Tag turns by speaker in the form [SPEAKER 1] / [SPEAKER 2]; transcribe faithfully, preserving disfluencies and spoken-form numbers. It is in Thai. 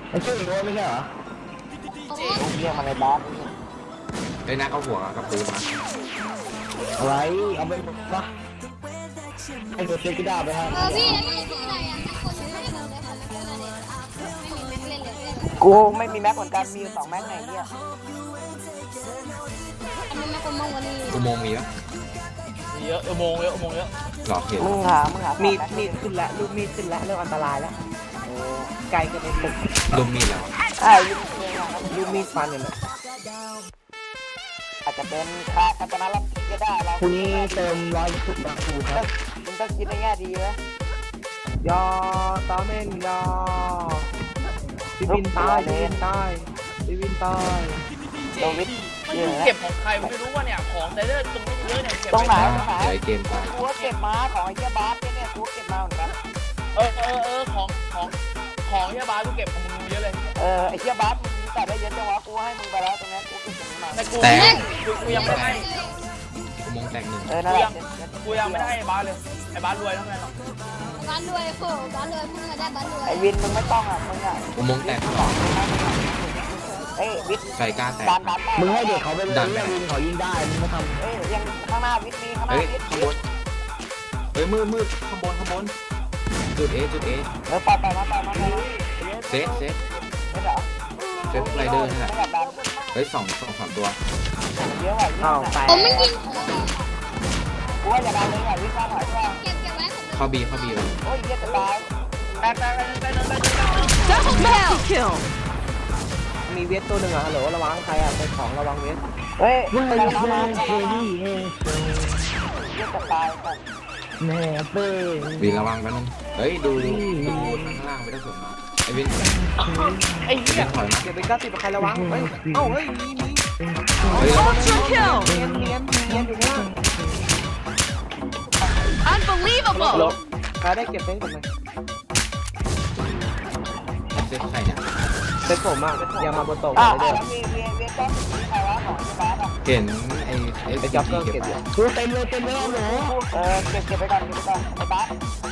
[SPEAKER 1] มันชื่อโรไม่ใช่เหรอเรียกมาในบาส
[SPEAKER 2] ไอ้นักเอาหัวกับปืนมา
[SPEAKER 1] อะไรเอาไปปะไอ้ตัวเช็คกีดาไปฮะ
[SPEAKER 3] เออพี่แล้วนี่คืออะไรอ่ะคนไม่ได้บอกเลยค่ะแล้วก็เลยไม่มีแม็กเล่นเลย
[SPEAKER 4] กูไม่มีแม็กเหมือนกันมีอยู่สองแม็กไหนเนี่ย
[SPEAKER 3] อันนี้แม็กคนมองวันนี้
[SPEAKER 2] อุโมงค์มีปะ
[SPEAKER 5] มีเยอะอุโมงค์เยอะอุโมงค์เยอะ
[SPEAKER 2] หลอกเห็น
[SPEAKER 4] มึงหามึงหา
[SPEAKER 6] มีดมีดขึ้นแล้วลูกมีดขึ้นแล้วเริ่มอันตรายแล้วไกลกันในตึก
[SPEAKER 2] ลุมมีแล้ว
[SPEAKER 4] อ่ายิง
[SPEAKER 6] ลูกมีดฟันเนี่ย
[SPEAKER 4] อาจจะเป็นคาคาตานาลับก็ได้เรา
[SPEAKER 1] คุณนี้เติมร้อยสุดแบบคูครับ
[SPEAKER 4] มึงต้องคิดในแง่ดีไหม
[SPEAKER 6] ยอตาเม่นยอพี่วินตายพี่วินตายพี่วินตาย
[SPEAKER 4] โดวิด
[SPEAKER 5] เก็บของใครไม่รู้ว่าเนี่ยของแต่เรื่องตรงนี้เยอะเนี่ยเก็บ
[SPEAKER 4] ตรงไหนตรงไหน
[SPEAKER 2] เกมไป
[SPEAKER 4] กูเก็บมาของไอ้เจ้าบาสเนี่ยกูเก็บมาเหมือนกัน
[SPEAKER 5] เออเออเออของของของเจ้าบาสกูเก็บของมึงเยอะเลย
[SPEAKER 4] เออไอ้เจ้าบาสมึงแต่ได้เยอะจังวะกูให้มึงไปแล้วตรงนี้กูเก็บตรงนี้มา
[SPEAKER 5] แต่กูกูยังไม่ได้
[SPEAKER 2] อุโมงค์แตกหนึ่ง
[SPEAKER 4] เออนั่นแหละ
[SPEAKER 5] กูยังไม่ได้ไอ้บาสเลยไอ้บาสรวยทั้งนั้นหรอก
[SPEAKER 3] บ้านรวยโหบ้านรวยเพิ่งมาได้บ้านรวย
[SPEAKER 4] ไอ้วินมึงไม่ต้องอ่ะมึงอ่ะ
[SPEAKER 2] อุโมงค์แตกสอง
[SPEAKER 4] เอ้ยวิท
[SPEAKER 2] ใส่กล้าแตก
[SPEAKER 1] มึงให้เด็กเขาไปเลยเรื่องวินเขายิงได้มึงไม่ทำ
[SPEAKER 4] เอ้ยยังข้างหน้าวิทมีข้างหน้าวิท
[SPEAKER 2] ข้างบนเฮ้ยมืดมืดข้างบนข้างบนจุดเอจุดเอ
[SPEAKER 4] เออไปไปมาไปมาไป
[SPEAKER 2] เซฟเซฟ
[SPEAKER 4] ไม่เหรอ
[SPEAKER 2] เซฟไรเดอร์นี่แหละเฮ้ยสองสองสามตัว
[SPEAKER 4] เยอะว่ะ
[SPEAKER 6] อ้าวตาย
[SPEAKER 3] ผมไม่ยิง
[SPEAKER 4] กูว่าอย่าดันเลยอ่ะวิทย์ข้าหน่อยใช่
[SPEAKER 3] เก็บเก็บไว้
[SPEAKER 2] เข้าบีเข้าบีเลย
[SPEAKER 4] โอ้ยเยอะจะตาย
[SPEAKER 5] แตกแตกแตกแตกแตก
[SPEAKER 6] ดับเบิลคิลมีเวทตัวหนึ่งอ่ะฮัลโหลระวังใครอ่ะเป็นของระวังเวท
[SPEAKER 4] เฮ้ย
[SPEAKER 1] เว้ยเว้ยเฮ้ยเฮ้ย
[SPEAKER 4] เยอะจะตาย
[SPEAKER 1] แม่เป้
[SPEAKER 2] วีระวังกันนึงเฮ้ยดูดูข้างล่างไม่ได้สนมาไอ้วิน
[SPEAKER 5] ไอ้เหี้ย
[SPEAKER 2] ถอยมา
[SPEAKER 6] เก็บเป็นก้าติดใครระวังเฮ้ยเอ้าเฮ้ยมีมี
[SPEAKER 2] เฮ้ย
[SPEAKER 6] เนียนเนียนเนียนอยู่ข้างล่าง
[SPEAKER 3] unbelievable
[SPEAKER 6] ใครได้เก็บเป็นกันไหม
[SPEAKER 2] เซฟใครเนี่ย
[SPEAKER 6] เป็นผมอ่ะอย่ามาบนโต๊ะ
[SPEAKER 4] อ่า
[SPEAKER 6] เลยเด้อ
[SPEAKER 4] เวียเวียเวียก็ใครวะของที่บ้านอ่ะ
[SPEAKER 2] เห็นไอ้เอฟ
[SPEAKER 6] ไอ้จ็อบเกอร์เก็บ
[SPEAKER 2] ไป
[SPEAKER 6] อยู่
[SPEAKER 1] กูเต็มเลยเต็มเลยหนู
[SPEAKER 4] เออเก็บเก็บไปก่อนเก็บไปก่อนไอ้บ้าน